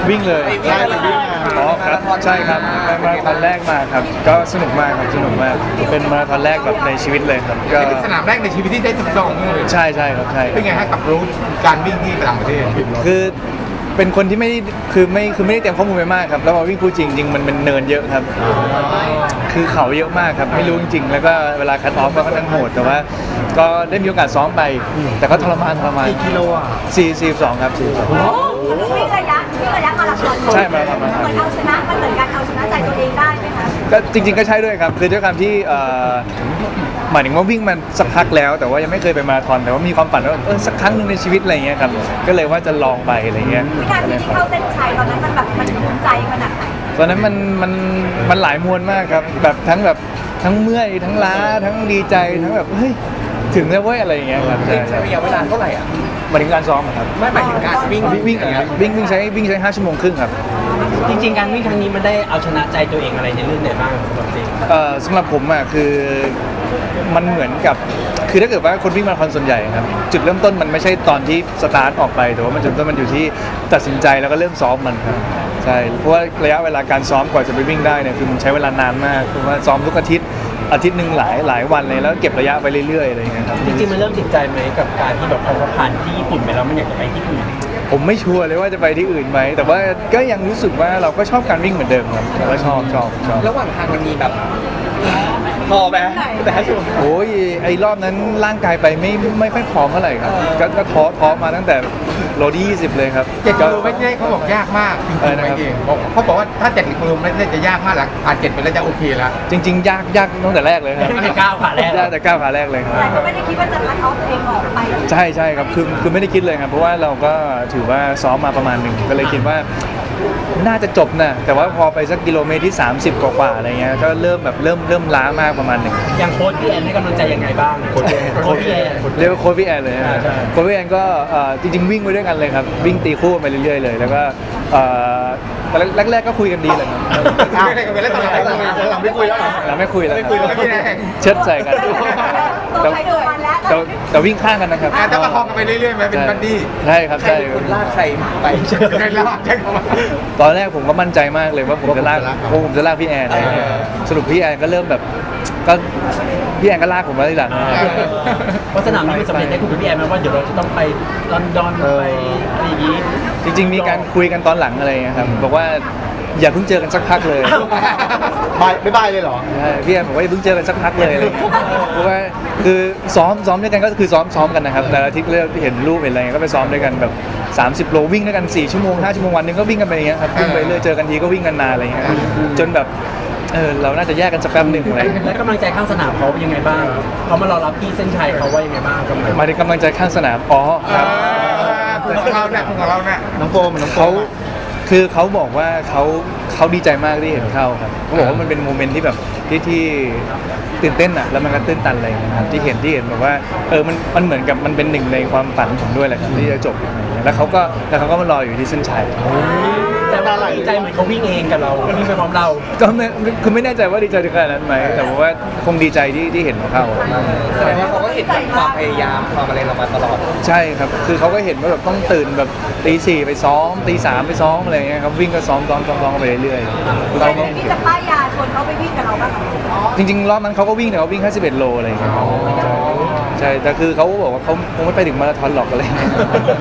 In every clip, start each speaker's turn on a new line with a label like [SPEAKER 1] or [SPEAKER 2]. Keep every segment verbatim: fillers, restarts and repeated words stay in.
[SPEAKER 1] วิ่งเลย
[SPEAKER 2] ใช่ไปวิ่งมา
[SPEAKER 1] อ๋อครับใช่ครับเป็นมาราธอนแรกมาครับก็สนุกมากครับสนุกมากเป็นมาราธอนแรกแบบในชีวิตเลยครับก็
[SPEAKER 2] เป็นสนามแรกในชีวิตที่ได้ทดลองเลย
[SPEAKER 1] ใช่ใช่ครับใช่
[SPEAKER 2] เป็นไงฮะกับรู้การวิ่งที่ต่างประเทศ
[SPEAKER 1] คือเป็นคนที่ไม่คือไม่คือไม่ได้เตรียมข้อมูลไปมากครับแล้วมาวิ่งคู่จริงจริงมันเป็นเนินเยอะครับคือเขาเยอะมากครับไม่รู้จริงๆแล้วก็เวลาคัทออฟก็ค่อนข้างโหดแต่ว่าก็ได้มีโอกาสซ้อมไปแต่ก็ทรมานทรมาน
[SPEAKER 2] กี่กิโลอ่ะ
[SPEAKER 1] สี่สี่สองครับสี่สอง
[SPEAKER 3] วิ่งระยะวิ่งระยะมาราธอน
[SPEAKER 1] ใช่มาราธอน
[SPEAKER 3] เหมือนเอาชนะมันเหมือนการเอาชนะใจตัวเองได้ไหมคะ
[SPEAKER 1] ก็จริงๆก็ใช่ด้วยครับคือด้วยความที่หมายถึงว่าวิ่งมันสักพักแล้วแต่ว่ายังไม่เคยไปมาราธอนแต่ว่ามีความฝันว่าเออสักครั้งหนึ่งในชีวิตอะไรเงี้ยครับก็เลยว่าจะลองไปอะไรเงี้ย
[SPEAKER 3] วินาทีที่เข้าเส้นชัยตอนนั้นมันแบบมันภูมิใจขนาดไหน
[SPEAKER 1] ตอนนั้นมันมันมันหลายมวลมากครับแบบทั้งแบบทั้งเมื่อยทั้งล้าทั้งดีใจทั้งแบบเฮ้ยถึงแล้วเว้ยอะไรอย่างเงี้ยครับใช่
[SPEAKER 2] ใช้ระยะเวลาเท่าไหร่อ่ะ
[SPEAKER 1] หมายถึงการซ้อมครับ
[SPEAKER 2] ไม่หมายถึงการวิ่ง
[SPEAKER 1] วิ่งวิ่งวิ่งใช้วิ่งใช้ห้าชั่วโมงครึ่งครับ
[SPEAKER 4] จริงๆการวิ่งครั้งนี้มันได้เอาชนะใจตัวเองอะไรในเรื่องไหนบ้างสำหรับเจม
[SPEAKER 1] เอ่อสำหรับผมอ่ะคือมันเหมือนกับคือถ้าเกิดว่าคนวิ่งมาราธอนส่วนใหญ่ครับจุดเริ่มต้นมันไม่ใช่ตอนที่สตาร์ทออกไปแต่ว่ามันจุดเริ่มต้นมันอยู่ที่ตัดสินใจแล้วก็เริ่มซ้อมมันครับใช่เพราะว่าระยะเวลาการซ้อมกว่าจะไปวิ่งได้เนี่ยคือมันใช้เวลานานมากเพราะว่าซ้อมทุกอาทิตย์อาทิตย์หนึ่งหลายหลายวันเลยแล้วเก็บระยะไปเรื่อยๆอะไรอย่างเงี้ยครับ
[SPEAKER 4] จริงๆมันเริ่มติดใจไหมกับการที่แบบพอผ่านที่ญี่ปุ่นไปแล้วมันอยากจะไปที่อื่น
[SPEAKER 1] ผมไม่ชัวร์เลยว่าจะไปที่อื่นไหมแต่ว่าก็ยังรู้สึกว่าเราก็ชอบการวิ่งเหมือนเดิมครับเราก็ชอบชอบชอบ
[SPEAKER 2] ระหว่างทางมันมีแบบพอไหมแต่ช่วง
[SPEAKER 1] โอ้ยไอ้รอบนั้นร่างกายไปไม่ไม่ค่อยพร้อมเท่าไหร่ครับก็ก็ท้อท้อมาตั้งแต่โลที่ยี่สิบเลยครับ
[SPEAKER 2] เจ็ดกิโลเมตรเนี่ยเขาบอกยากมากจริงๆไม่เองเขาบอกว่าถ้าเจ็ดกิโลเมตรเนี่ยจะยากมากหลังผ่านเจ็ดไปแล้วจะโอเคแล้ว
[SPEAKER 1] จริงๆยากยากตั้งแต่แรกเลยครับ
[SPEAKER 4] ตั้งแต่ก้าวขาแรก
[SPEAKER 1] ยากแต่ก้าวขาแรกเลยครับ
[SPEAKER 3] แต่ก็ไม่ได้คิดว่าจะคัดออฟตัวเองออกไป
[SPEAKER 1] ใช่ใช่ครับคือคือไม่ได้คิดเลยครับเพราะว่าเราก็ถือว่าซ้อมมาประมาณหนึ่งก็เลยคิดว่าน่าจะจบนะแต่ว่าพอไปสักกิโลเมตรที่สามสิบกว่าๆอะไรเงี้ยก็เริ่มแบบเริ่มเริ่มล้ามากประมาณหนึ่ง
[SPEAKER 4] อย่างโค้ชพี่แอนให้กำลังใจยังไงบ้างโค้ชโค้ชพี่แอน
[SPEAKER 1] เรียกว่าโค้ชพี่แอนเลยโค้ชพี่แอนก็จริงๆวิ่งไปด้วยกันเลยครับวิ่งตีคู่ไปเรื่อยๆเลยแล้วก็แรกๆก็คุยกันดีเลยครับ
[SPEAKER 2] ไม่ได้กันไปแล้วตอนหลังหลังไม่คุยแล้วหรอ
[SPEAKER 1] หลังไม่คุยแล้ว
[SPEAKER 2] ไม่คุยแล้วพี่แอน
[SPEAKER 1] เชิดใส่กันแต่แต่วิ่งข้างกันนะครับ
[SPEAKER 2] แต่ประคองกันไปเรื่อยๆไหมเป็นบัดดี้
[SPEAKER 1] ใช่ครับใช่
[SPEAKER 2] คนลากใครไปใครลากใช่ไหม
[SPEAKER 1] ตอนแรกผมก็มั่นใจมากเลยว่าผมจะลากผมจะลากพี่แอนสรุปพี่แอนก็เริ่มแบบก็พี่แอนก็ลากผมมาทีหลัง
[SPEAKER 4] เพราะสนามนี้มันสำเร็จได้คุณพี่แอนไหมว่าเดี๋ยวเราจะต้องไปลอนดอนไปอะไรอย่างนี้
[SPEAKER 1] จริงๆมีการคุยกันตอนหลังอะไรครับบอกว่าอย่าเพิ่งเจอกันสักพักเลย
[SPEAKER 2] บายไม่บายเลยเหรอ
[SPEAKER 1] ใช่พี่แอนบอกว่าอย่าเพิ่งเจอกันสักพักเลยอะไรเพราะว่าคือซ้อมซ้อมด้วยกันก็คือซ้อมซ้อมกันนะครับแต่ละอาทิตย์เริ่มเห็นรูปเห็นอะไรก็ไปซ้อมด้วยกันแบบสามสิบโลวิ่งด้วยกันสี่ชั่วโมงห้าชั่วโมงวันนึงก็วิ่งกันไปอย่างเงี้ยครับวิ่งไปเรื่อยเจอกันทีก็วิ่งกันนานอะไรเงี้ยจนแบบเออเราน่าจะแยกกันสักแป๊บหนึ่งอะไร
[SPEAKER 4] แล้วกำลังใจข้างสนามเขาเป็นยังไงบ้างเขามารอรับที่เส้นชัยเขาว่ายังไงบ้าง
[SPEAKER 1] มาถึงกำลังใจข้างสนามอ๋อครับ
[SPEAKER 2] ของเราเนี่ยของเราเนี่ย
[SPEAKER 1] น้องโฟมน้องเขาคือเขาบอกว่าเขาเขาดีใจมากที่เห็นเข้าครับเขาบอกว่ามันเป็นโมเมนต์ที่แบบที่ที่ตื่นเต้นอ่ะแล้วมันก็ตื่นตันอะไรนะครับที่เห็นที่เห็นแบบว่าเออมันมันเหมือนกับมันเป็นหนึ่งในความฝันผมด้วยแหละครับที่จะจบอะไรอย่างเงี้ยแล้วเขาก็แล้วเขาก็มารออยู่ที่เส้นชัย
[SPEAKER 4] แต่ว่าดีใจเหมือนเขาวิ่งเองกับเราวิ่งไปพร้อมเรา
[SPEAKER 1] ก็ไม่คือไม่แน่ใจว่าดีใจถึงขนาดนั้นไหมแต่ว่าคงดีใจที่ที่เห็นเขา
[SPEAKER 2] แสดงว่าเขาก็เห็นความพยายามความอะไรเรามาตลอด
[SPEAKER 1] ใช่ครับคือเขาก็เห็นว่าแบบต้องตื่นแบบตีสี่ไปซ้อมตีสามไปซ้อมอะไรเงี้ยครับวิ่งก็ซ้อมซ้อมซ้อมซ้อมไปเรื่อยๆ
[SPEAKER 3] เราที่จะป้ายยาชวนเขาไปวิ่งกับเราบ้าง
[SPEAKER 1] จริงๆรอบนั้นเขาก็วิ่งแต่เขาวิ่งแค่สิบเอ็ดโลอะไรเงี้ยใช่แต่คือเขาบอกว่าเขาคงไม่ไปถึงมาราธอนหรอกอะไรเงี้ย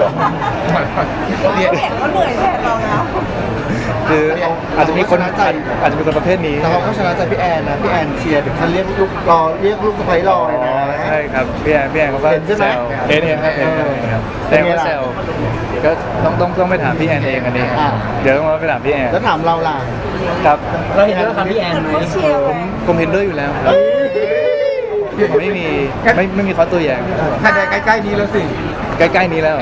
[SPEAKER 3] เห็นเขาเหนื่อยแทนเราแล้ว
[SPEAKER 1] คืออาจจะมีคนอาจจะมีคนประเภทนี้
[SPEAKER 2] แต่เขาก็ชนะใจพี่แอนนะพี่แอนเชียร์ถึงขั้นเรียกลูกรอเรียกลูกสะใภ้รอเลยนะ
[SPEAKER 1] ใช่ครับพี่แอนพี่แอนเขาก็แซวเห็นเห็นครับเห็นครับแต่เขาแซวก็ต้องต้องต้องไปถามพี่แอนเองอันนี้เดี๋ยวต้องไปถามพี่แอน
[SPEAKER 2] แล้วถามเราล่ะ
[SPEAKER 1] ครับ
[SPEAKER 4] เราเห็นด้วยกับพี่แอนไหม
[SPEAKER 1] ผมผมเห็นด้วยอยู่แล้วครับไม่มีไม่ไม่มีข้อตัวอย่าง
[SPEAKER 2] ถ้าใกล้ๆนี้แล้วสิ
[SPEAKER 1] ใกล้ๆนี้แล้ว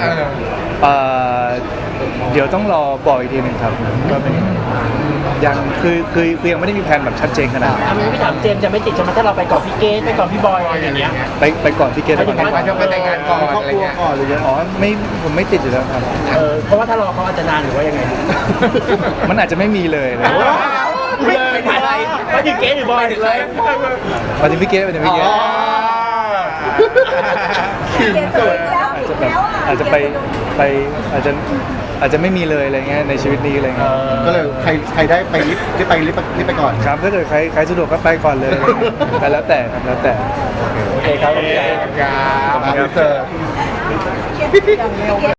[SPEAKER 1] เดี๋ยวต้องรอบอกอีกทีหนึ่งครับว่าเป็นยังคือคือคือยังไม่ได้มีแผนแบบชัดเจนขนาดนั้น
[SPEAKER 4] ทำไมพี่ถามเจมจะไม่ติดใช่ไหมถ้าเราไปก่อนพี่เกสไปก่อนพี่บอยอะไรอย่างเงี้ย
[SPEAKER 1] ไปไปก่อนพี่เกสไปก่อน
[SPEAKER 2] ไปจะไปแต่งงานก่อนครอบครัวก่อนหรือยัง
[SPEAKER 1] อ๋อไม่ผมไม่ติดอยู่แล้วครับ
[SPEAKER 4] เออเพราะว่าถ้ารอเขาอาจจะนานหรือว่ายังไง
[SPEAKER 1] มันอาจจะไม่มีเลยเลย
[SPEAKER 4] ไปไปไปถึงเกสหรือบอยเลย
[SPEAKER 1] ไปถึงพี่เกสไปถึงพี่เกส
[SPEAKER 2] ขิงสุด
[SPEAKER 1] แบบอาจจะไปไปอาจจะอาจจะไม่มีเลยอะไรเงี้ยในชีวิตนี้อะไรเงี้ย
[SPEAKER 5] ก็เลยใครใครได้ไปลิฟต์ได้ไปลิฟต์ลิฟต์ไปก่อน
[SPEAKER 1] ครับถ้าเกิดใครใครสะดวกก็ไปก่อนเลยอะไรเงี้ยแต่แล้วแต่ครับแล้วแต่
[SPEAKER 4] โอเคครับ
[SPEAKER 2] ครับ
[SPEAKER 5] ครับ
[SPEAKER 2] ครับ